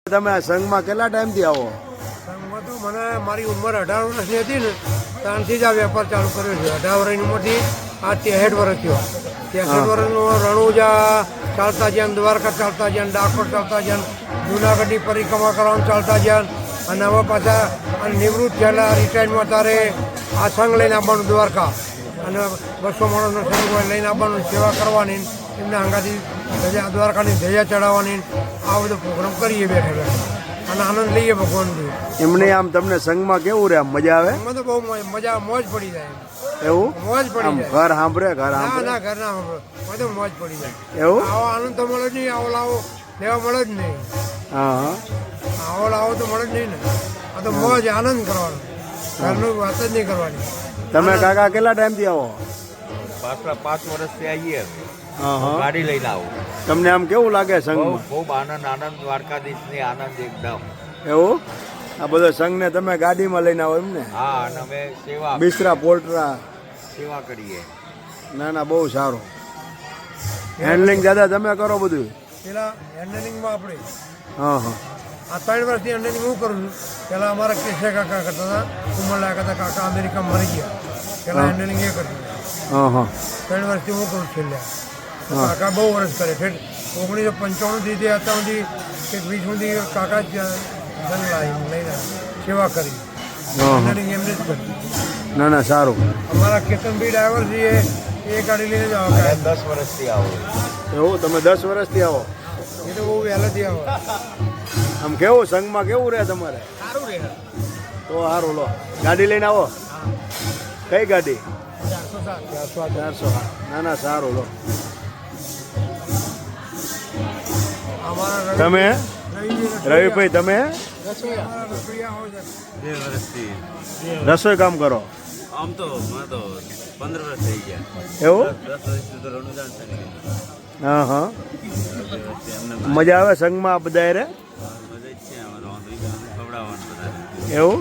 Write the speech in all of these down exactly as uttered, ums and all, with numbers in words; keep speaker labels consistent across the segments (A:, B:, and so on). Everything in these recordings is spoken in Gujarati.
A: તમે આ સંઘમાં કેટલા ટાઈમથી આવો?
B: સંઘમાં તો મને મારી ઉંમર અઢાર વર્ષની હતી ને ત્યારથી જ આ વેપાર ચાલુ કર્યો છે. અઢાર વર્ષની ઉંમરથી આ ત્રેસઠ વર્ષ થયો. ત્રેસઠ વર્ષનો રણુજા ચાલતા જ્યાં, દ્વારકા ચાલતા જ્યાં, ડાકોર ચાલતા જ્યાં, જુનાગઢની પરિક્રમા કરવાનું ચાલતા જ્યાં, અને હવે પાછા અને નિવૃત્ત થયેલા રિટાયર્ડમાં તારે આ સંઘ લઈને આવવાનું દ્વારકા, અને બસો માણસનો સંઘ લઈને આવવાનું, સેવા કરવાની, એમને હંગાથી ધજા દ્વારકાની ધજા ચડાવવાની, આ બધો પ્રોગ્રામ કરીએ બેઠા બેઠા અને આનંદ લઈએ ભગવાનથી.
A: એમને આમ તમને સંઘમાં કેવું રહે? આમ મજા આવે?
B: એમાં તો બહુ મજા, મોજ પડી જાય.
A: એવું
B: મોજ પડી
A: આમ
B: જાય.
A: ઘર સાંભળે ઘર
B: ના
A: સાંભળે
B: ના ઘર ના બધું મોજ પડી જાય.
A: એવું?
B: આવો આનંદ તો મળે જ નહીં, આવો લાવો લેવા મળે જ નહીં.
A: હા હા
B: આવો લાવો તો મળે જ નહીં ને. આ તો મોજ આનંદ કરવાનો, ઘરનું વાત જ નહીં કરવાની.
A: તમે કાકા કેટલા ટાઈમથી આવો?
C: પાછલા પાંચ વર્ષથી આવીએ.
A: હા હા
C: ગાડી લઈને આવું.
A: તમને આમ કેવું લાગે
C: બહુ
A: સંઘમાં?
C: ખૂબ આનંદ આનંદ દ્વારકાધીશની આનંદ એકદમ.
A: એવું? આ બધો સંઘને તમે ગાડીમાં લઈને આવો એમ ને?
C: હા, અને અમે સેવા
A: બિસ્તરા પોલ્ટ્રા?
C: સેવા કરીએ.
A: ના ના, બહુ સારું. હેન્ડલિંગ દાદા તમે કરો બધું?
B: પેલા હેન્ડલિંગમાં આપણે
A: હા હા
B: આ ત્રણ વર્ષથી હેન્ડલિંગ હું કરું છું. પહેલાં અમારા કેશિયા કાકા કરતા હતા, ઉમરલા કરતા, કાકા અમેરિકામાં મરી ગયા. પહેલાં હેન્ડલિંગ એ કરતું.
A: હા હા
B: ત્રણ વર્ષથી હું કરું છેલ્લે. કાકા બહુ વર્ષ કરે છે. ઓગણીસો પંચાણુંથી તે અત્યાર સુધી કે વીસ સુધી કાકા જ ધન લાવી લઈને સેવા કરી.
A: હા હા
B: હેન્ડલિંગ એમને જ કરી.
A: ના ના, સારું.
B: અમારા કેતનભાઈ ડ્રાઈવર છે, એ એ ગાડી લઈને જ આવે.
C: અને દસ વર્ષથી આવું.
A: એવું? તમે દસ વર્ષથી આવો?
B: એ તો બહુ વહેલાથી આવે.
A: આમ કેવું સંઘમાં કેવું રહે તમારે?
B: સારું રહે.
A: તો સારું, લો ગાડી લઈને આવો. કઈ ગાડી?
B: ચારસો સાત ચારસો આઠ.
A: ચારસો. ના ના, સારું. લો
B: અમારા
A: તમે
B: રવિભાઈ
A: રવિભાઈ તમે
B: રસોઈયા રસોઈયા હોય છે.
D: બે વર્ષથી
A: રસોઈ કામ કરો?
D: આમ તો મને તો પંદર વર્ષ થઈ ગયા.
A: એવું?
D: દસ વર્ષથી તો રણુદાન સંઘ
A: હા હા
D: બે વર્ષથી અમને
A: મજા આવે સંઘમાં આ બધા રે?
D: મજા જ છે. અમારે વાંધો નહીં, અમને ખવડાવવાનું બધા.
A: એવું?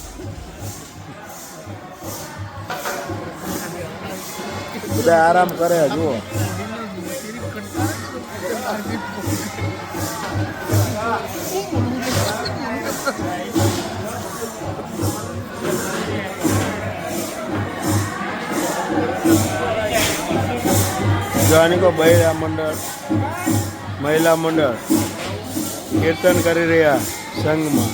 A: બધા આરામ કરે જુઓ. જાણીકો મહિલા મંડળ મહિલા મંડળ કીર્તન કરી રહ્યા સંઘમાં.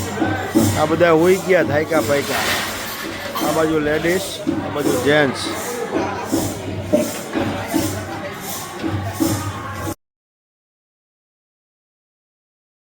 A: આ બધા હોઈ ગયા થાયકા પાયકા. આ બાજુ લેડીઝ, આ બાજુ જેન્ટ્સ.